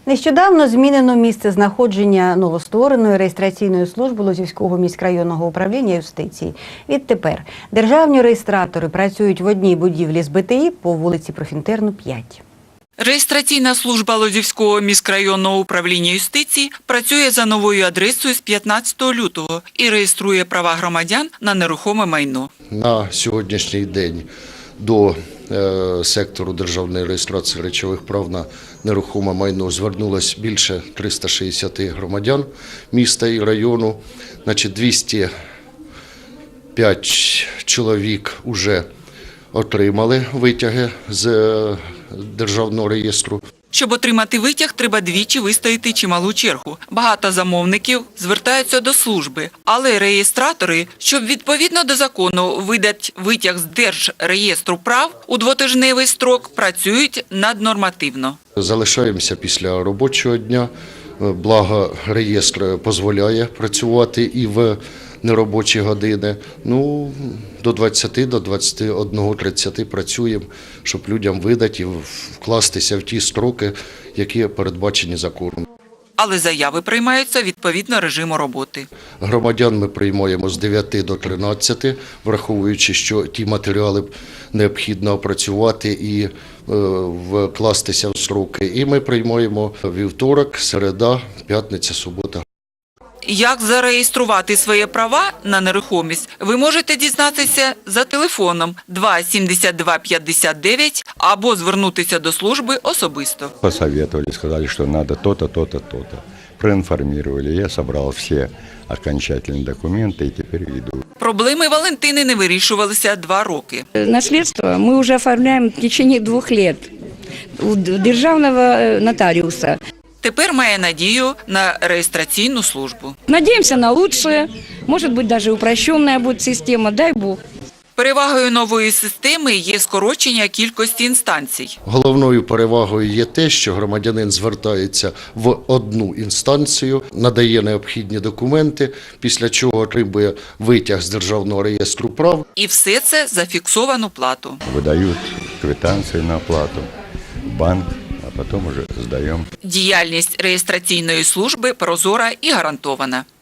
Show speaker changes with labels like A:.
A: Нещодавно змінено місце знаходження новоствореної реєстраційної служби Лозівського міськрайонного управління юстиції. Відтепер державні реєстратори працюють в одній будівлі з БТІ по вулиці Профінтерну, 5.
B: Реєстраційна служба Лозівського міськрайонного управління юстиції працює за новою адресою з 15 лютого і реєструє права громадян на нерухоме майно.
C: На сьогоднішній день до сектору державної реєстрації речових прав на нерухоме майно звернулось більше 360 громадян міста і району. 205 чоловік вже отримали витяги з державного реєстру.
B: Щоб отримати витяг, треба двічі вистояти чималу чергу. Багато замовників звертаються до служби, але реєстратори, щоб відповідно до закону видати витяг з Держреєстру прав у двотижневий строк, працюють наднормативно.
C: Залишаємося після робочого дня, благо реєстр дозволяє працювати і в неробочі години. До 20, до 21:30 працюємо, щоб людям видати і вкластися в ті строки, які передбачені законом.
B: Але заяви приймаються відповідно режиму роботи.
C: Громадян ми приймаємо з 9 до 13, враховуючи, що ті матеріали необхідно опрацювати і вкластися в строки. І ми приймаємо вівторок, середа, п'ятниця, субота.
B: Як зареєструвати свої права на нерухомість, ви можете дізнатися за телефоном 2 72 59 або звернутися до служби особисто.
D: Посоветовали, сказали, что надо то-то, то-то, то-то. Проинформировали, я собрал все окончательные документы и теперь иду.
B: Проблеми Валентини не вирішувалися 2 роки.
E: Наследство мы уже оформляем в течение 2 лет у державного нотариуса.
B: Тепер має надію на реєстраційну службу.
E: Надеемся на лучшее, может быть даже упрощенная будет система, дай Бог.
B: Перевагою нової системи є скорочення кількості інстанцій.
C: Головною перевагою є те, що громадянин звертається в одну інстанцію, надає необхідні документи, після чого отримує витяг з Державного реєстру прав.
B: І все це за фіксовану плату.
D: Выдают квитанции на оплату в банк, а потом уже сдаем.
B: Діяльність реєстраційної служби прозора і гарантована.